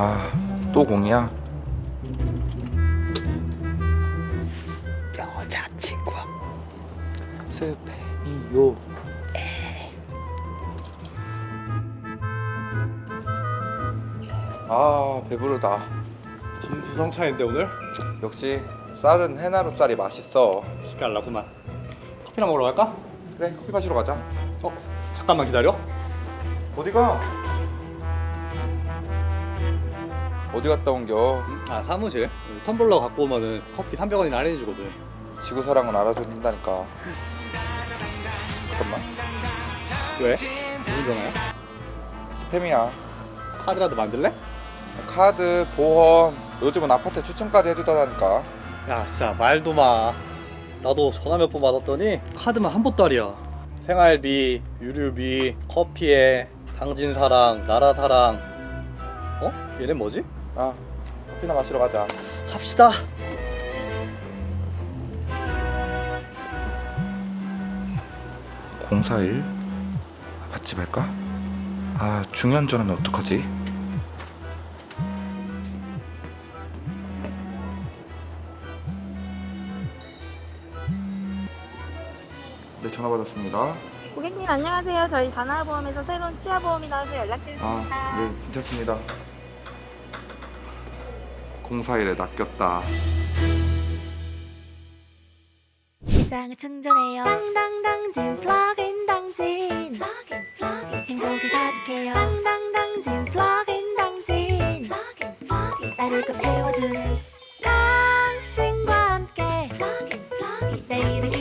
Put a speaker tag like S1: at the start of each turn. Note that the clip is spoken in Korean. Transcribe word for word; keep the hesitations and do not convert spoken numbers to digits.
S1: 아, 또 공이야?
S2: 여자친구 스팸이요.
S1: 아, 배부르다.
S2: 진수성찬인데 오늘?
S1: 역시 쌀은 해나루 쌀이 맛있어.
S2: 기깔나구만. 커피나 먹으러 갈까?
S1: 그래, 커피 마시러 가자.
S2: 어? 잠깐만 기다려.
S1: 어디가? 어디 갔다 온겨?
S2: 아 사무실 텀블러 갖고 오면은 커피 삼백 원이나 할인해주거든.
S1: 지구사랑은 알아준다니까. 잠깐만.
S2: 왜? 무슨 전화야?
S1: 스팸이야.
S2: 카드라도 만들래?
S1: 카드, 보험, 요즘은 아파트 추천까지 해주더라니까.
S2: 야 진짜 말도 마. 나도 전화 몇 번 받았더니 카드만 한 보따리야. 생활비, 유류비, 커피에 당진사랑, 나라사랑. 어? 얘네 뭐지?
S1: 아, 커피나 마시러 가자.
S2: 갑시다.
S1: 공사일 맛집 할까? 아, 중요한 전화면 어떡하지? 네, 전화 받았습니다.
S3: 고객님 안녕하세요. 저희 다나보험에서 새로운 치아보험이 나와서 연락드렸습니다.
S1: 아, 네, 괜찮습니다. 공사일에 낚였다.
S4: 세상을 충전해요 당당당진 플러그인 당진 플러그인 플러그인 행복이 가득해요 당당당진 플러그인 당진 플러그인 플러그인 나를 꽉 채워준 당신과 함께 플러그인 플러그인 내 일을